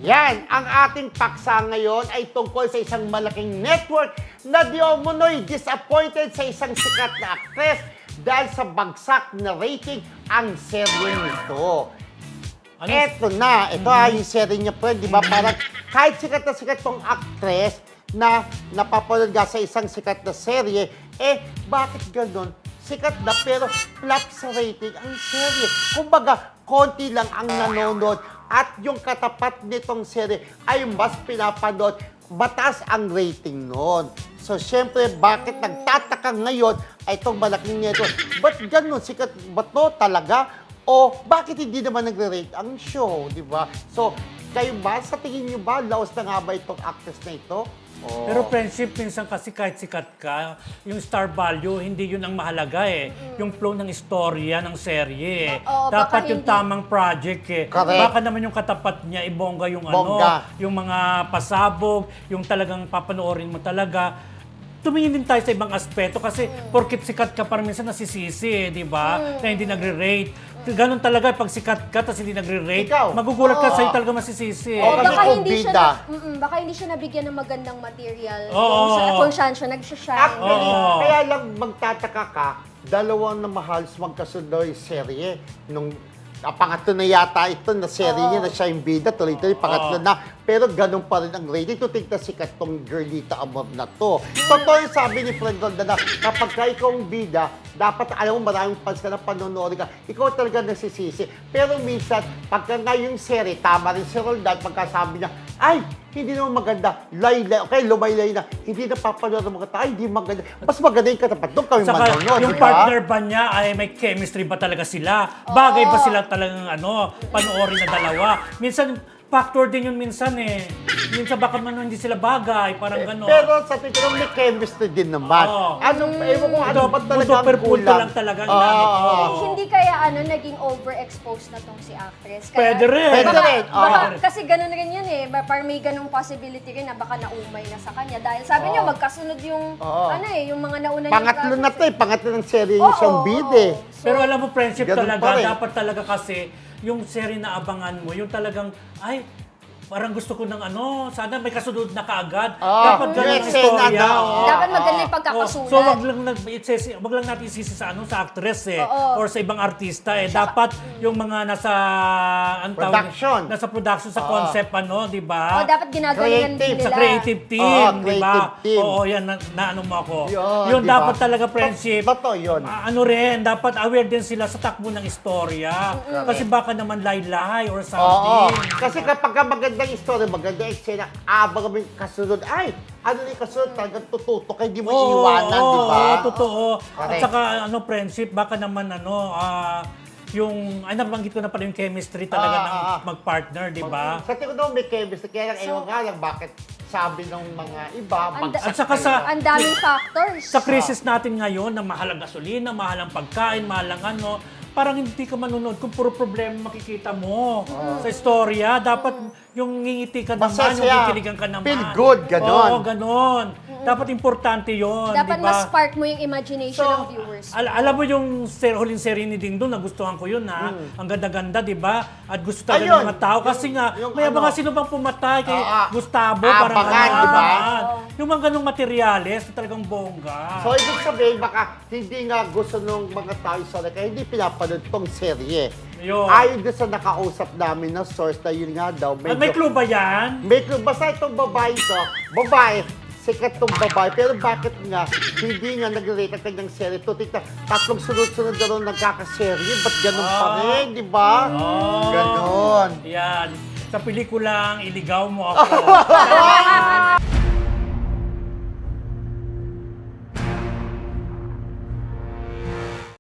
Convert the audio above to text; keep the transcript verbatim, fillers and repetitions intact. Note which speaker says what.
Speaker 1: Yan, ang ating paksa ngayon ay tungkol sa isang malaking network na di umunoy disappointed sa isang sikat na aktres dahil sa bagsak na rating ang serye nito.
Speaker 2: Ano?
Speaker 1: Eto na, ito mm-hmm. yung serye niya po, di ba? Parang kahit sikat na sikat tong aktres na napapanood nga sa isang sikat na serye, eh bakit ganun? Sikat na pero flop sa rating ang serye. Kumbaga, konti lang ang nanonood at yung katapat nitong serye ay mas pinapanood, mataas ang rating noon. So, syempre, bakit nagtataka ngayon ay itong malaking network? Ba't ganun? Sikat ba to talaga? O bakit hindi naman nagre-rate ang show, di ba? So, kayo ba, sa tingin nyo ba, laos na nga ba itong actress na ito? Oh.
Speaker 2: Pero friendship, minsan kasi kahit sikat ka, yung star value, hindi yun ang mahalaga eh. Mm-hmm. Yung flow ng istorya, ng serye eh.
Speaker 3: Oo,
Speaker 2: dapat yung
Speaker 3: hindi.
Speaker 2: tamang project eh.
Speaker 1: Correct.
Speaker 2: Baka naman yung katapat niya, ibongga yung
Speaker 1: Bongga.
Speaker 2: ano, yung mga pasabog, yung talagang papanoorin mo talaga. Tumingin din tayo sa ibang aspeto kasi mm. porkit sikat ka parang minsan nasisisi eh, di ba? Mm. Na hindi nagre-rate. Ganon talaga, pag sikat ka tapos hindi nagre-rate,
Speaker 1: Ikaw.
Speaker 2: magugulat ka
Speaker 1: Oo.
Speaker 2: sa'yo talaga masisisi.
Speaker 1: Oo,
Speaker 3: O
Speaker 1: kasi
Speaker 3: baka
Speaker 1: kung
Speaker 3: hindi siya
Speaker 1: bida.
Speaker 3: na, mm, baka hindi siya nabigyan ng magandang material.
Speaker 2: Oo.
Speaker 3: Kung, sa, kung saan siya nagsashine.
Speaker 1: Actually,
Speaker 2: Oo.
Speaker 1: kaya lang magtataka ka, dalawang na mahal magkasunod yung serye. Nung ah, pangatlo na yata ito na serye
Speaker 3: Oo.
Speaker 1: niya na siya yung bida, tuloy-tuloy, pangatlo
Speaker 2: Oo.
Speaker 1: na. Pero ganun pa rin ang rating. Tutig na sikat tong Girlita Amor na to. Totoo yung sabi ni Fred Roldan na kapag ka ikaw ang bida, dapat alam mo maraming fans ka na panonood ka, ikaw talaga nasisisi. Pero minsan, pagka nga yung serye, tama rin si Roldan, pagkasabi niya, ay, hindi naman maganda, lay-lay, okay, lumaylay na, hindi na papanood ng mga tao, ay, hindi maganda. Mas maganda yung katapat, doon kami
Speaker 2: Saka
Speaker 1: manonood,
Speaker 2: yung
Speaker 1: di ba?
Speaker 2: partner ba niya ay may chemistry ba talaga sila? Bagay ba sila talagang ano, panoorin na dalawa? Minsan, factor din yun minsan eh. Minsan baka man hindi sila bagay, parang gano'n.
Speaker 1: Pero sa tingin may chemistry din naman.
Speaker 2: Oo.
Speaker 1: Anong, ewan ko, ano ba talaga ang
Speaker 2: super punto
Speaker 1: kulang?
Speaker 2: lang talaga ang
Speaker 1: Oo,
Speaker 2: namin.
Speaker 1: oo, oo.
Speaker 3: Hindi kaya ano, naging overexposed na tong si actress. Kaya,
Speaker 2: Pwede rin.
Speaker 1: Pwede
Speaker 3: baka,
Speaker 1: rin, oo.
Speaker 3: baka, kasi ganun rin yun eh. Ba- Parang may ganung possibility rin na baka naumay na sa kanya. Dahil sabi niya,
Speaker 1: Oo.
Speaker 3: magkasunod yung,
Speaker 1: Oo.
Speaker 3: ano eh, yung mga nauna
Speaker 1: Pangatlo na to eh, pangatlo ng serye
Speaker 3: Oo,
Speaker 1: yung siyang
Speaker 3: oo,
Speaker 1: bid
Speaker 3: oo.
Speaker 1: eh.
Speaker 3: So,
Speaker 2: Pero alam mo, friendship
Speaker 1: Ganun
Speaker 2: talaga,
Speaker 1: pa rin.
Speaker 2: dapat talaga kasi yung serie na abangan mo, yung talagang, ay, parang gusto ko ng ano, sana may kasunod na kaagad.
Speaker 1: Oo,
Speaker 2: dapat
Speaker 1: yung
Speaker 2: ganun ang
Speaker 1: eksena
Speaker 2: istorya.
Speaker 1: na,
Speaker 2: oo.
Speaker 1: oo.
Speaker 3: dapat maganda yung
Speaker 2: Oh,
Speaker 3: pagkakasulat.
Speaker 2: so wag lang nag isisi, wag lang natin isisi sa ano sa actress eh
Speaker 3: Oo.
Speaker 2: or sa ibang artista eh. Dapat yung mga nasa ang tawag-
Speaker 1: Production.
Speaker 2: nasa production sa
Speaker 1: Oo.
Speaker 2: concept ano, 'di ba?
Speaker 3: Oh, dapat ginagalingan din
Speaker 1: Creative,
Speaker 3: nila.
Speaker 2: Sa creative team,
Speaker 1: Oo,
Speaker 2: di ba?
Speaker 1: creative team.
Speaker 2: Oo, yan na, na ano mo ako.
Speaker 1: Yun,
Speaker 2: Yun
Speaker 1: di ba?
Speaker 2: dapat talaga friendship.
Speaker 1: Totoo yun.
Speaker 2: Ah, ano rin, dapat aware din sila sa takbo ng istorya. Kasi baka naman laylay or
Speaker 1: Oo.
Speaker 2: something.
Speaker 1: Kasi kapag ka magandang story, magandang eksena, abang kami kasunod, ay, ano na yung kasunod, talagang tututok, hindi mo
Speaker 2: Oo,
Speaker 1: iiwanan,
Speaker 2: oo,
Speaker 1: di ba?
Speaker 2: Oo, totoo. At
Speaker 1: Correct.
Speaker 2: saka ano, friendship, baka naman ano, ah, yung, ay nabanggit ko na pala yung chemistry talaga
Speaker 1: Ah,
Speaker 2: ng
Speaker 1: ah, ah.
Speaker 2: mag-partner, di ba?
Speaker 1: Sa tingin ko may chemistry, kaya lang,
Speaker 3: So-
Speaker 1: ewan nga lang, bakit sabi ng mga iba,
Speaker 3: Ang da-
Speaker 1: bagsak
Speaker 2: At saka sa-
Speaker 3: Ang daming factors.
Speaker 2: Sa crisis natin ngayon na mahal ang gasolina, mahal ang pagkain, mahal ang ano, parang hindi ka manunod kung puro problema makikita mo sa istorya. Dapat yung ngingiti ka naman,
Speaker 1: Masaya,
Speaker 2: yung kikiligan ka naman.
Speaker 1: feel good, ganon.
Speaker 2: Oo, ganon. Dapat importante yon,
Speaker 3: Dapat
Speaker 2: di ba?
Speaker 3: ma-spark mo yung imagination
Speaker 2: So,
Speaker 3: ng viewers.
Speaker 2: al- alam mo yung ser huling serie ni Ding Dong, nagustuhan ko yun ha. Ang ganda-ganda, di ba? At gusto talaga
Speaker 1: Hmm. Ayun,
Speaker 2: ng mga tao. Kasi
Speaker 1: yung-
Speaker 2: nga,
Speaker 1: yung
Speaker 2: may
Speaker 1: ano,
Speaker 2: mga sino bang pumatay kay
Speaker 1: Oo, ah,
Speaker 2: Gustavo. Parang
Speaker 1: abangan,
Speaker 2: ano,
Speaker 1: di ba?
Speaker 2: abangan. Yung mga ganong materyales na talagang bongga.
Speaker 1: So, ibig sabihin, baka hindi nga gusto ng mga tao isa kaya hindi pinapanood tong serye.
Speaker 2: Yun.
Speaker 1: Ayon doon sa nakausap namin na source na yun nga daw.
Speaker 2: At may clue ba yan?
Speaker 1: May clue. Basta itong babae to, babae, sikat tong babae. Pero bakit nga, hindi nga nag-rate ang kanyang serye. Tutik na, tatlong sunod-sunod na rin nagkakaserye. Ba't ganun pa
Speaker 2: Ah.
Speaker 1: rin, di ba?
Speaker 2: Oh.
Speaker 1: Ganon.
Speaker 2: Yan. Sa pelikulang Iligaw Mo Ako.